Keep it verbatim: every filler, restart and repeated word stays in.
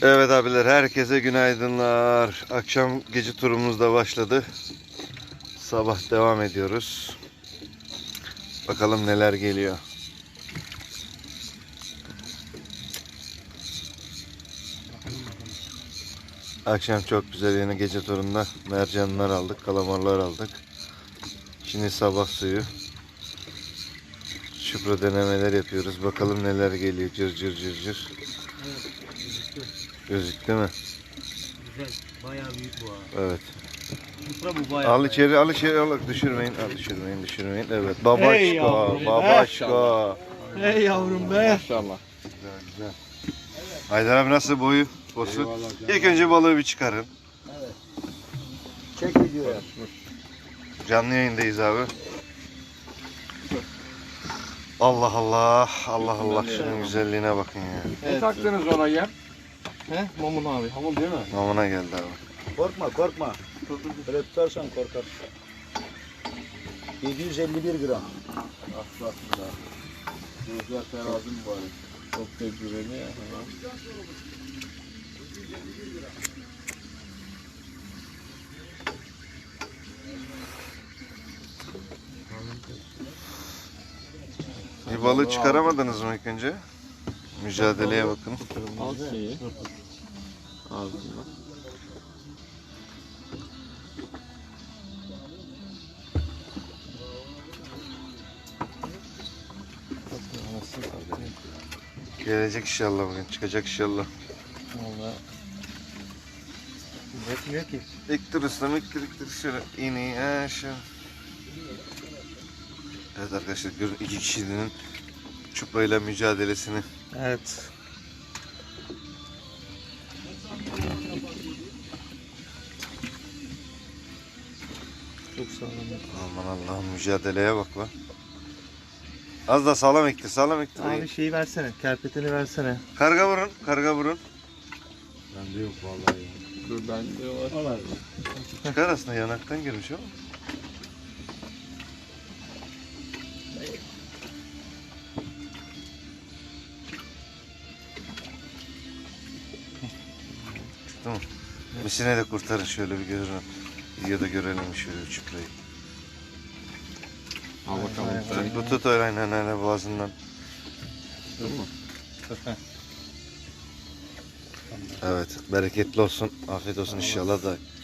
Evet abiler, herkese günaydınlar. Akşam gece turumuz da başladı. Sabah devam ediyoruz. Bakalım neler geliyor. Akşam çok güzel, yine gece turunda mercanlar aldık, kalamarlar aldık. Şimdi sabah suyu. Şupra denemeler yapıyoruz. Bakalım neler geliyor. Cır cır cır cır. Evet, gözüktü. Gözüktü mü? Güzel, bayağı büyük bu ha. Evet. Şupra bu bayağı. Al bayağı. içeri, al içeri, al. Düşürmeyin, al düşürmeyin, düşürmeyin. Evet, Hey babaşka, yavrum, babaşka. Hey yavrum be. Maşallah. Güzel, güzel. Haydar abi nasıl boyu? Bosu? Eyvallah canım. İlk önce balığı bir çıkarın. Çek ediyor. Canlı yayındayız abi. Allah Allah, Allah Allah, şunun güzelliğine bakın ya. Ne taktınız ona yem? He? Mamun abi. Hamur değil mi? Namına geldi abi. Korkma korkma. Böyle tutarsan korkar. yedi yüz elli bir gram. Aslında. Gözler terazi mi bari? Çok tecrübeli ya. Bir balığı çıkaramadınız mı ilk önce? Mücadeleye bakın. Al şeyi. Ağzından. Gelecek inşallah bugün, çıkacak inşallah. Valla. Üretmiyor ki. İktir ustam, iktir iktir şöyle iğneyi aşağı. Evet arkadaşlar, görün iki kişinin çuprayla mücadelesini. Evet. Çok sağlam. Aman Allah'ım, mücadeleye bak lan. Az da sağlam ektir, sağlam ektir. Abi şeyi versene, kerpeteni versene. Karga vurun, karga vurun. Bende yok vallahi ya. Dur bende var. Çıkar aslında, yanaktan girmiş ama. Çıktı mı? Misine de kurtarın, şöyle bir görün. Videoda görelim şöyle çuprayı. Al bakalım. Bak, bu tut öyle aynen öyle boğazından. Dur mu? Evet, bereketli olsun, afiyet olsun inşallah da